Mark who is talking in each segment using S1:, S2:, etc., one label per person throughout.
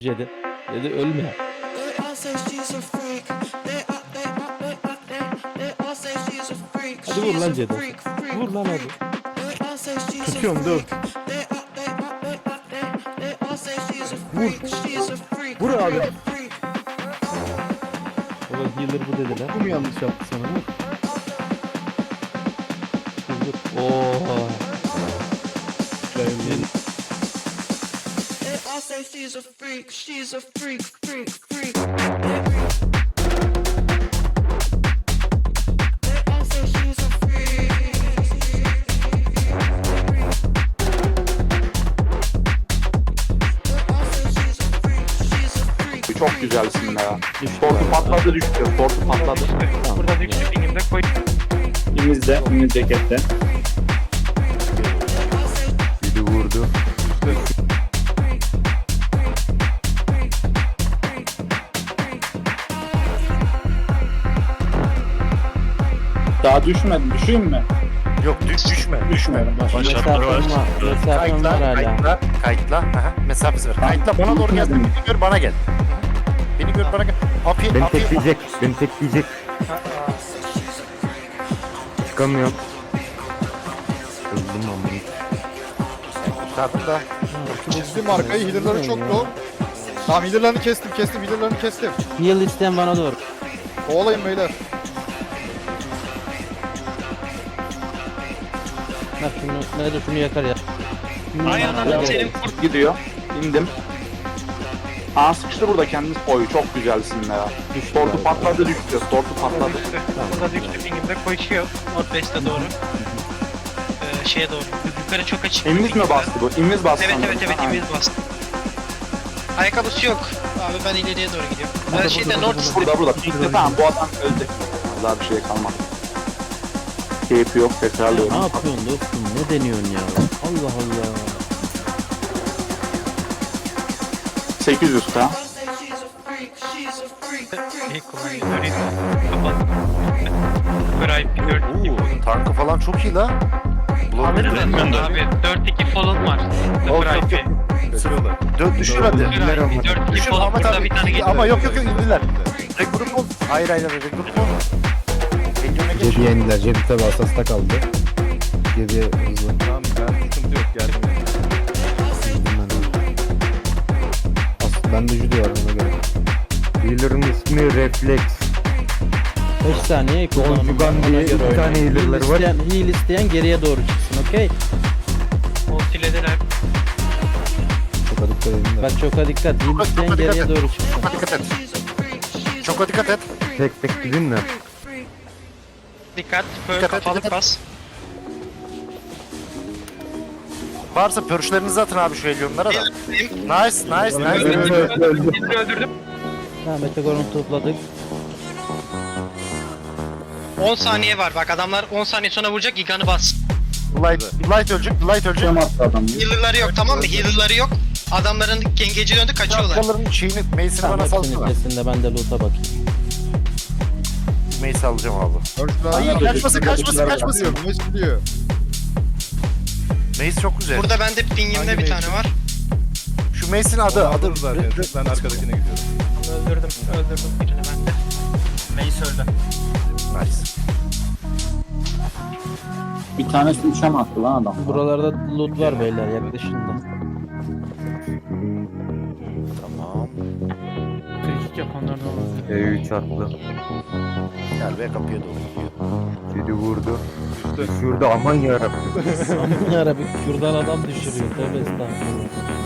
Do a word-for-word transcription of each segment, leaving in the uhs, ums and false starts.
S1: Dedi. Dedi ölme. Hadi vur lan Cedi. Vur lan hadi.
S2: Tutuyorum dur. Vur. Vur abi.
S1: Baba healer bu dediler.
S2: Bu mu yanlış yaptı sana? Vur.
S1: Vur vur. Oha.
S3: She's a freak, she's a freak, freak, freak.
S4: Çok güzelsin ya. Tortu patladı düştü. Tortu patladı.
S5: Burada düştü pingimde koy.
S4: İmizde, imiz cekette.
S2: Biri vurdu.
S4: Daha düşmedi. Düşeyim mi?
S6: Yok düş düşme.
S4: Düşmedim.
S1: Mesafem var. Mesafem
S6: Kayıtla,
S1: var hala.
S6: kayıtla, kayıtla. Aha, mesafesi var. Kayıtla bana doğru gel. Beni gör bana gel. Beni gör bana gel. Api,
S2: Beni
S6: api.
S2: tekleyecek. Beni tekleyecek. Çıkamıyorum. Öldüm ama.
S6: Kurtardım da.
S7: Çizdim arkayı, healer'ları çok low. Tamam, healer'larını kestim, kestim, healer'larını kestim.
S1: Heal isteyen bana doğru.
S7: Kovalayın beyler.
S1: Bak şunu, nerede şunu yakar ya.
S5: Ay ananı senin kurt.
S4: Gidiyor. İndim. Aa sıkıştı burada kendiniz. Oy çok güzelsin ya. Tortu patladı düştü. Tortu patladı.
S5: Burada düştü pingimde koşuyor. Northwest'e doğru. Ee, şeye doğru. Yukarı çok açık.
S4: İmiz mi bastı bu? İmiz bastı.
S5: Evet
S4: sanırım.
S5: evet evet
S4: Ha.
S5: imiz bastı. Ayakkabısı yok. Abi ben ileriye doğru gidiyorum. Ben şeyde North
S4: Burada burada. Pikte tamam bu adam öldü. Daha bir şey kalmadı. Keyfi yok
S1: Ya
S4: tekrarlıyorum.
S1: ne yapıyorsun dostum? Ne deniyorsun ya? Allah Allah.
S4: sekiz yüz K.
S5: İyi kullanıyor. Döneyim. Kapat. Kray dört iki.
S6: Oo, tankı falan çok iyi la.
S5: Alırız aslında abi. dört iki fall'un var.
S6: Yok,
S5: Kray
S6: yok, yok. Dön düşür hadi.
S5: dört iki
S6: Düşür
S5: fall
S6: Ahmet
S5: burada
S6: abi.
S5: bir tane geliyor.
S6: Ama yok yok yok indiler. Regroup ol. Hayır hayır hayır regroup ol. Region'a geç.
S2: Cedi yendiler. Cedi tabi asasta kaldı. Cedi hızlı.
S7: Tamam, ben sıkıntı yok, geldim.
S2: As ben de judo var ona göre. Healer'ın ismi Reflex.
S1: beş saniye kullanımı.
S2: Konjugan diye iki tane healer'ları var.
S1: Heal isteyen, heal isteyen geriye doğru çıksın, okey?
S5: Ultilediler.
S2: Çok dikkat edin de.
S1: Bak çok dikkat. Heal
S6: Çok
S1: isteyen
S6: dikkat
S1: geriye
S6: et.
S1: doğru çıksın.
S6: Çok dikkat et. Çok dikkat et.
S2: Tek tek gidin de.
S5: Dikkat. Böyle
S6: Dikkat et,
S5: kafalı
S6: dikkat et.
S5: pas.
S6: Varsa pörşlerinizi atın abi şu elyonlara da. Nice nice nice.
S5: Öldürdüm. Öldürdüm.
S1: Ha Metagoron'u topladık.
S5: on saniye var bak adamlar on saniye sonra vuracak Gigan'ı bas.
S6: Light, light ölecek, light ölecek.
S5: Healer'ları yok tamam mı? Healer'ları yok. Adamların gengeci döndü kaçıyorlar.
S6: Kaçıyorlar. Şeyini, Mace'ini
S1: Tamam
S6: bana
S1: hepsinin
S6: salsana.
S1: ötesinde ben de loot'a bakayım.
S6: Mace alacağım abi.
S7: Hayır,
S6: kaçmasın, kaçmasın, kaçmasın.
S7: Mace gidiyor.
S6: Mace çok güzel.
S5: Burada bende pingimde bir tane var.
S6: Şu Mace'in adı, adı.
S7: zaten. Ben arkadakine gidiyorum.
S5: Öldürdüm, öldürdüm birini bende. Mace öldü.
S6: Nice.
S4: Bir tanesi üçe mi attı lan adam?
S1: Buralarda loot var beyler yaklaşın da.
S6: Tamam.
S5: Kırık yok onlardan oldu.
S2: E üç attı.
S6: Gel be kapıya doğru gidiyor.
S2: Cedi vurdu. Düşürdü aman yarabbim.
S1: Aman yarabbim şuradan adam düşürüyor. Tövbe estağfurullah.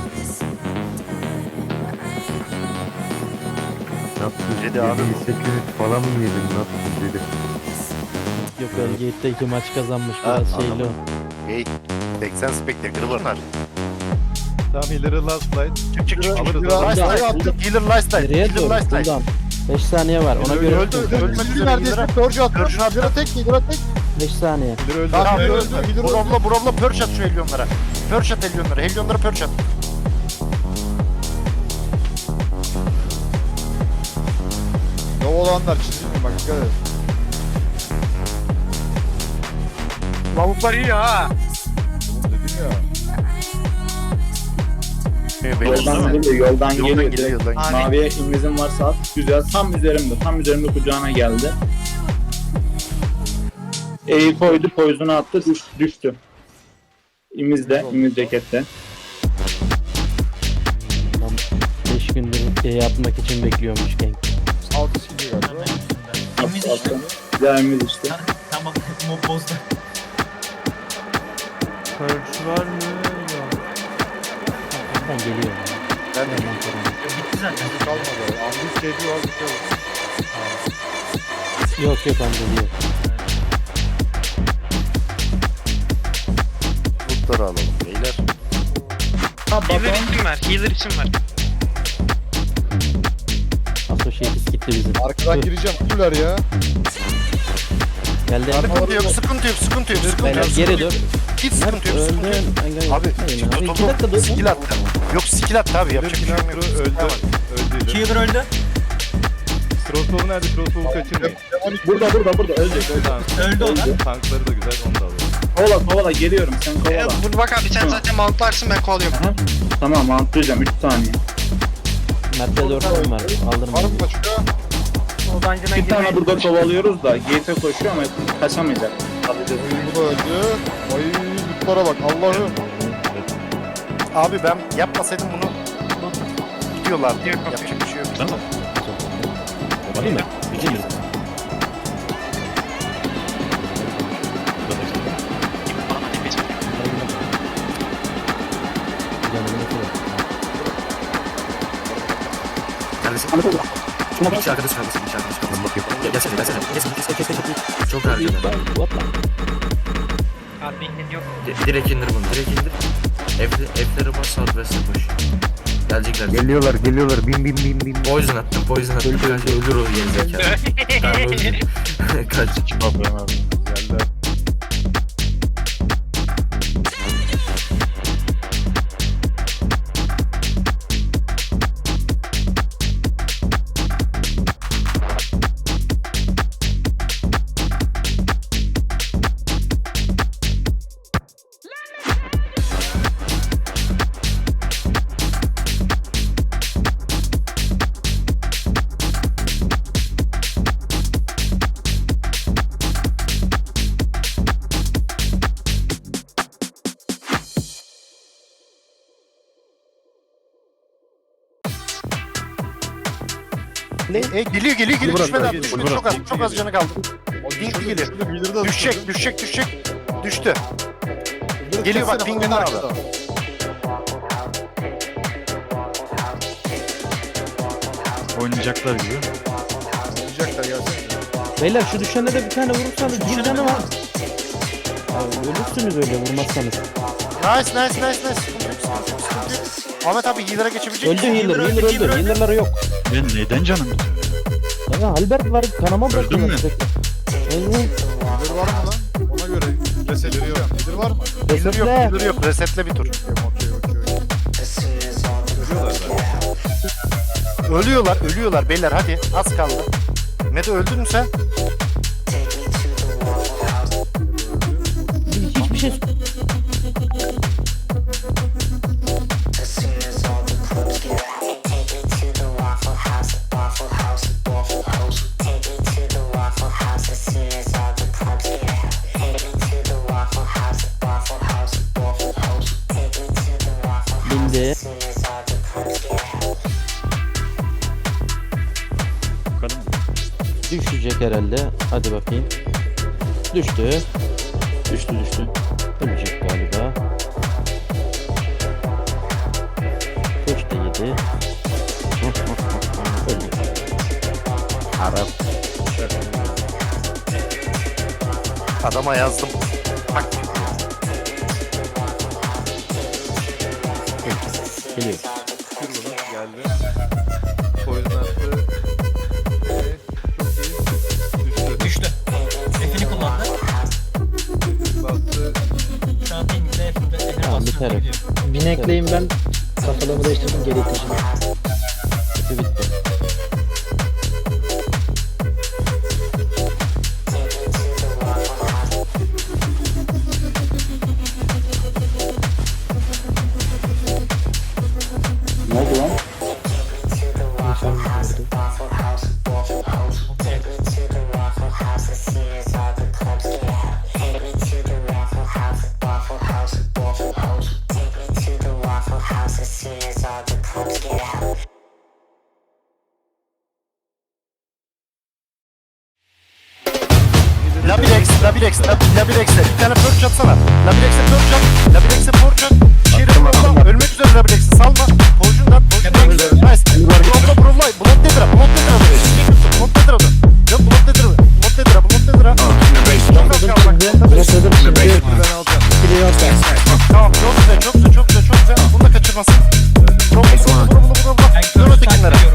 S2: Ne yaptı?
S6: Cedi abi.
S2: yedi sekiz yüz falan mı yedin? Ne yaptın Cedi?
S1: Yok Elgate'de iki maç kazanmış
S6: Ha,
S1: biraz şeyli o.
S6: anladım. Hey, seksen Spectre var.
S7: Tamam, healer'ı last light.
S6: Çık çık çık.
S7: Alırız,
S6: Last
S7: alırız.
S6: light attım. Healer last light.
S1: Geriye
S6: Healer
S1: doğru
S6: last light.
S1: buradan. beş saniye var ona göre.
S7: Öldü, öldü.
S6: Ölmek üzere
S7: neredeyse
S6: healer'a.
S7: Purge attı.
S6: Purge'unu attı.
S7: Healer'a tek, healer'a tek.
S1: beş saniye.
S7: Healer öldü.
S6: Tamam,
S7: Healer öldü, healer öldü.
S6: Bromla bromla pörç at şu elyonlara. Pörç at elyonlara. Elyonlara pörç at.
S7: Ne olanlar çizilmiyor bak, dikkat et.
S5: Lavuklar iyi ha.
S7: Oğlum dedim ya.
S4: Yoldan geliyor, yoldan
S6: Yoldan
S4: geliyor.
S6: geliyor, yoldan geliyor.
S4: Maviye invizim varsa at. Güzel. Tam üzerimde. Tam üzerimde kucağına geldi. E'yi koydu, poison'u attı, düş, düştü. İmizde, imiz cekette.
S1: beş gündür şey yapmak için bekliyormuş genç.
S7: Altı skill galiba.
S5: İmiz işte.
S4: Güzel imiz işte.
S5: Tamam. Mob bozdu.
S2: Purge var mı? Yok.
S1: Ben geliyorum.
S6: Ben de
S1: Ondan sonra.
S5: Bitti zaten.
S7: Kalmadı. Ambus keyfi var bir şey yok.
S1: Yok yok ben geliyorum.
S6: lootları alalım beyler.
S5: Healer isim ver. Healer isim ver.
S1: Associates gitti bizim.
S7: Arkadan gireceğim. Kutular ya.
S1: Geldi.
S6: Sıkıntı yok, sıkıntı yok, sıkıntı yok, sıkıntı
S1: Beyler
S6: yok.
S1: geri dur.
S6: Hiç sıkıntı yok, sıkıntı yok.
S1: Öldün.
S6: Abi,
S1: Abi iki dakika dur.
S6: skill attı. Yok skill attı abi, yapacak bir şey yok.
S2: öldü. Öldü.
S5: Healer öldü.
S2: Crossbow nerede? Crossbow kaçırmayın.
S4: Burada, burada, burada. Ölecek, ölecek.
S2: Tamam.
S5: Öldü o da.
S2: Tankları da güzel, onu da alalım.
S4: Kovala, kovala. Geliyorum. Sen
S5: Ee,
S4: kovala.
S5: bunu bak abi sen
S4: Tamam.
S5: zaten mountlarsın ben kovalıyorum.
S4: Aha. Tamam, mantlayacağım. üç saniye.
S1: Mert'te dört tane var. Aldırma.
S7: Var mı başka?
S4: Bir tane burada kovalıyoruz da G T koşuyor ama kaçamayacak. Alacağız.
S7: Bu da öldü. Ay lootlara bak Allah'ım.
S6: Abi ben yapmasaydım bunu gidiyorlardı.
S5: Yok, okey.
S6: Yapacak bir şey yok.
S1: Değil mi? Değil mi?
S8: Neredesin? İki arkadaş kalmasın, iki arkadaş kalmasın. Bakıyor. Gel, gelsene, gelsene. Kes, kes, kes, kes, kes. Çok harcadı.
S5: Abi inin yok.
S8: Di- Direkt indir bunu, direkt indir. Evde, evlere bas, Southwest'e koş. Gelecekler.
S2: Geliyorlar, geliyorlar. Bin bin bin bin.
S8: Poison attım, poison attım. Ölür, ölür o gerizekalı. Tamam, öldü. Kaç.
S2: Geldiler.
S6: E, geliyor, geliyor, geliyor.
S2: Bırak,
S6: Düşmedi
S2: bırak,
S6: abi, düşmedi.
S2: bırak.
S6: Çok az, çok az canı kaldı. Dinkli geliyor.
S7: Bildir'i de
S6: Düşecek, düşecek, düşecek. Düştü. Geliyor bak, pingin abi.
S9: Oynayacaklar gibi.
S7: Oynayacaklar gelsene.
S1: Beyler şu düşene de bir tane vurursanız bir canı var. Abi ölürsünüz öyle vurmazsanız.
S6: Nice, nice, nice, nice. Sıkıntı yok, sıkıntı yok, sıkıntı yok. Ahmet abi healer'a geçebilecek
S1: Öldü
S6: misin?
S1: healer, healer öldü. Healer'ları yok.
S9: Ben neden canım?
S1: Ya Albert var kanama bırakıyor.
S9: Öldün mü?
S1: Öldü.
S7: Bildir var mı lan? Ona göre resetleri yok. Bildir var mı?
S6: Healer yok,
S1: Resetle.
S6: healer yok. Resetle bir tur.
S7: Okey okey okey.
S6: Ölüyorlar, ölüyorlar beyler hadi. Az kaldı. Mete öldün mü sen?
S1: Hiçbir şey bindi.
S9: Bakalım.
S1: Düşecek herhalde. Hadi bakayım. Düştü.
S4: Düştü, düştü.
S1: Ölecek galiba. Köşte yedi. Öldü.
S2: Arap.
S6: Adama yazdım. Bak.
S1: Geliyor.
S2: Kır bunu. Geldi. Poison attı. Evet, çok iyi. Düştü.
S5: Düştü. F'ini kullandı.
S2: Bastı.
S5: Şu an pinginde F'inde F'ine
S1: Tamam,
S5: basıyor.
S1: biter.
S5: gidiyor.
S1: Binekleyim ben. Kafalığımı değiştirdim geri iteceğim. Bitti bitti.
S6: Labirex, Labirex, Lab- Labirex'e bir tane perch atsana. Labirex'e perch at. Labirex'e perch at. Şiiri vurma. Ölmek üzere Labirex'i salma. Poğucundan, poğucundan. Nice. Brolla, brolla. Blot nedir? Blot nedir abi? Blot nedir adı? Yok blot nedir? Blot nedir? Blot nedir? Çok az kaldı bak.
S1: Bırakırdım şimdi.
S7: Ben alacağım.
S1: Kili yok da.
S6: Tamam çok güzel, çok güzel, çok güzel, çok güzel. Bunu da kaçırmasın. Brollo, brollo, brollo, brollo. Dön ötekinlere.